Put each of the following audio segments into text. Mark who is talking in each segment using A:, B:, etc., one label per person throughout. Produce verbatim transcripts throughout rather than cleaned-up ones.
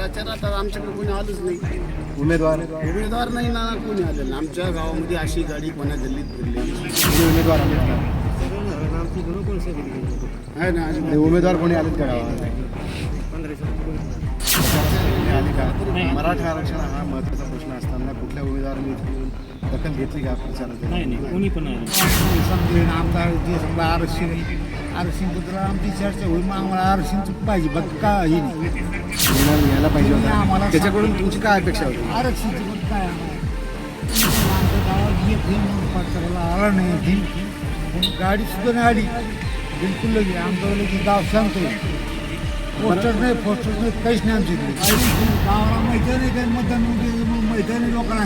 A: प्रचारात आता आमच्याकडे कोणी आलंच नाही.
B: उमेदवार
A: उमेदवार नाही ना, कोणी आलेलं नाही. आमच्या गावामध्ये अशी गाडी कोणा गल्लीत फिरलेली
B: कोणी उमेदवार आले का?
A: आहे ना.
B: आणि उमेदवार कोणी आलेत का गावात? आले का? मराठा आरक्षण हा महत्त्वाचा प्रश्न असताना कुठल्या उमेदवारांनी इथे येऊन दखल घेतली का प्रचारात?
C: नाही नाही कोणी पण नाही.
D: समजेल आमचा जे समजा आरक्षण आरक्षणबद्दल आमची चर्चा होईल, मग आम्हाला आरक्षण पाहिजे बघ काही नाही.
B: निर्णय घ्यायला पाहिजे
D: आम्हाला
B: होता. त्याच्याकडून तुमची काय अपेक्षा होती?
D: आरक्षणची पण काय आम्हाला आमच्या गावात एक हे म्हणून पात्राला आला नाही ती पण गाडी सुद्धा नाही आली बिलकुल. लगे आमचं लगे गाव सांगतो पोस्टर नाही पोस्टर नाही काहीच नाही आमच्या इकडे. गावाला मैदानी काही मतदान मैदानी लोकांना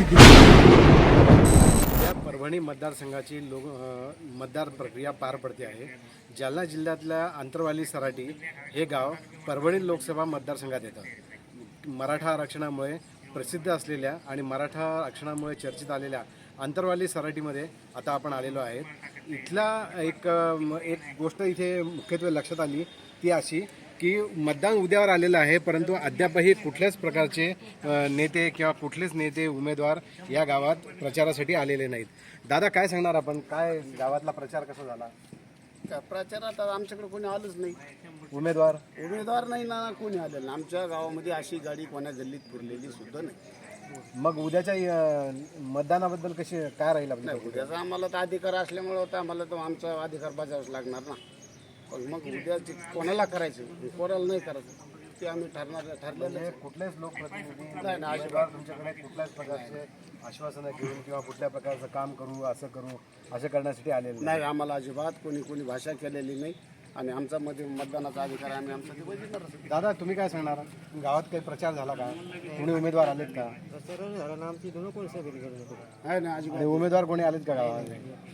B: या परभणी मतदारसंघाची लोक अ, मतदार प्रक्रिया पार पडते आहे. जालना जिल्ह्यातल्या आंतरवाली सराटी हे गाव परभणी लोकसभा मतदारसंघात येतं. मराठा आरक्षणामुळे प्रसिद्ध असलेल्या आणि मराठा आरक्षणामुळे चर्चेत आलेल्या आंतरवाली सराटीमध्ये आता आपण आलेलो आहेत. इथला एक अ, एक गोष्ट इथे मुख्यत्वे लक्षात आली ती अशी की मतदान उद्यावर आलेलं आहे, परंतु अद्यापही कुठल्याच प्रकारचे अ, नेते किंवा कुठलेच नेते उमेदवार या गावात प्रचारासाठी आलेले नाहीत. दादा काय सांगणार आपण? काय गावातला प्रचार कसा झाला?
A: का प्रचारात आता आमच्याकडे कोणी आलंच नाही.
B: उमेदवार
A: उमेदवार नाही ना, कोणी आलेलं नाही. आमच्या गावामध्ये अशी गाडी कोणा गल्लीत फिरलेली सुद्धा नाही.
B: मग उद्याच्या अ, मतदानाबद्दल कशी काय राहील आपली
A: नाही, उद्याचा आम्हाला तर अधिकार असल्यामुळे होता, आम्हाला तर आमचा अधिकार बजावाच लागणार ना. पण मग उद्या जे कोणाला करायचं कोणाला नाही करायचं ते आम्ही ठरणार ठरलेलं
B: म्हणजे
A: आहे.
B: कुठलेच लोकप्रतिनिधी
A: नाही ना,
B: उमेदवार तुमच्याकडे कुठल्याच प्रकारचे आश्वासनं घेऊन किंवा कुठल्या प्रकारचं काम करू असं करू असं करण्यासाठी आलेले नाही.
A: नाही, आम्हाला अजिबात कोणी कोणी भाषा केलेली नाही आणि आमचा मध्ये मतदानाचा अधिकार आहे, आम्ही आमचा ते बजावणार.
B: दादा तुम्ही काय सांगणार? गावात काही प्रचार झाला का? कोणी उमेदवार आलेत का?
A: आहे ना, अजिबात
B: आणि उमेदवार कोणी आलेत का गावात?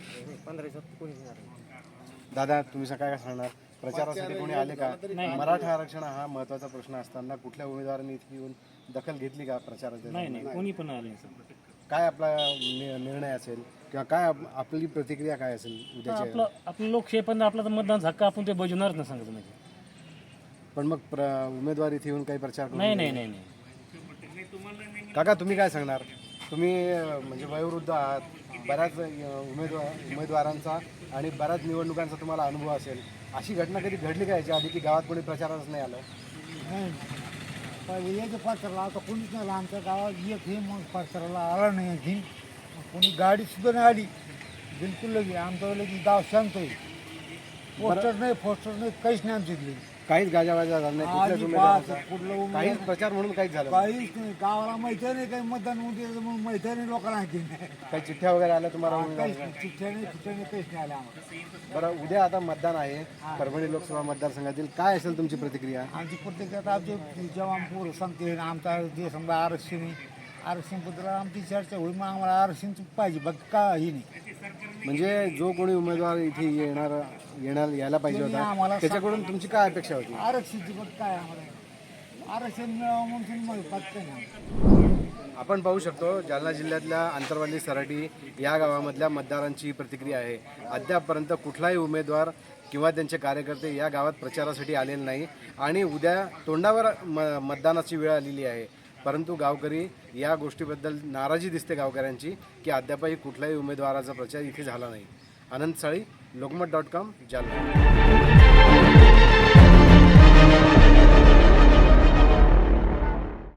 B: दादा तुम्ही काय काय सांगणार? प्रचारासाठी कोणी आले का? मराठा आरक्षण हा महत्त्वाचा प्रश्न असताना कुठल्या उमेदवारांनी इथे येऊन दखल घेतली का प्रचारात?
C: नाही नाही कोणी पण आले.
B: काय आपला नि- निर्णय असेल किंवा काय आप- आपली प्रतिक्रिया काय असेल उद्याच्या?
C: आपलं आपलं लोकशाही पण आपला तर मतदान हक्क आपण ते बजवणारच ना सांगतो म्हणजे.
B: पण मग प्र उमेदवार इथे येऊन काही प्रचार करून
C: नाही नाही नाही नाही
B: काका तुम्ही काय सांगणार? तुम्ही अं, म्हणजे वयोवृद्ध आहात, बऱ्याच अं, उमेदवार उमेदवारांचा आणि बऱ्याच निवडणुकांचा तुम्हाला अनुभव असेल. अशी घटना कधी घडली का याच्या आधी की गावात कोणी प्रचाराच नाही आलं?
D: नाही पहिले याच्या पात्राला आता कोणीच नाही आलं. आमच्या गावात एक हे म्हणून पात्राला आला नाही आणखी कोणी गाडी सुद्धा नाही आली बिलकुल. लगे आमचं लगे गाव सांगतोय पोस्टर नाही पोस्टर नाही काहीच नाही आमच्या इकडे.
B: काहीच गाजावाजा झाला नाही कुठल्याच
D: अजिबात
B: उमेदवाराचा?
D: कुठलं
B: काहीच
D: उमेदवार
B: प्रचार म्हणून काहीच झालं नाही?
D: काहीच नाही. गावाला माहिती नाही काही मतदान होते म्हणून माहिती नाही लोकांना आणखी
B: काही चिठ्ठ्या वगैरे आल्या तुम्हाला
D: काहीच
B: उमेदवाराच्या?
D: नाही. चिठ्ठ्या नाही चिठ्ठ्या नाही काहीच नाही आलं आम्हाला.
B: बरं उद्या आता मतदान आहे परभणी लोकसभा मतदारसंघातील, काय असेल तुमची प्रतिक्रिया?
D: आमची प्रत्येकात आमचे जवान पोरं सांगते आमचा जे समजा आरक्षण आहे आरक्षणबद्दल आमची चर्चा होईल, मग आम्हाला आरक्षण पाहिजे बघ काही नाही.
B: म्हणजे जो कोणी उमेदवार इथे येणार येणार यायला पाहिजे
D: त्यांनी
B: होता
D: आम्हाला
B: त्याच्याकडून तुमची काय अपेक्षा होती?
D: आरक्षणची बघ काय आम्हाला आरक्षण मिळावं म्हणून मग पाहत नाही.
B: आपण पाहू शकतो जालना जिल्ह्यातल्या आंतरवाली सराटी या गावामधल्या मतदारांची प्रतिक्रिया आहे. अद्यापपर्यंत कुठलाही उमेदवार किंवा त्यांचे कार्यकर्ते या गावात प्रचारासाठी आलेले नाही आणि उद्या तोंडावर म मतदानाची वेळ आलेली आहे. परंतु गावकरी या गोष्टीबद्दल नाराजी दिसते गावकऱ्यांची की अद्यापही कुठल्याही उमेदवाराचा प्रचार इथे झाला नाही. आनंद साळी, लोकमत डॉट कॉम, जालना.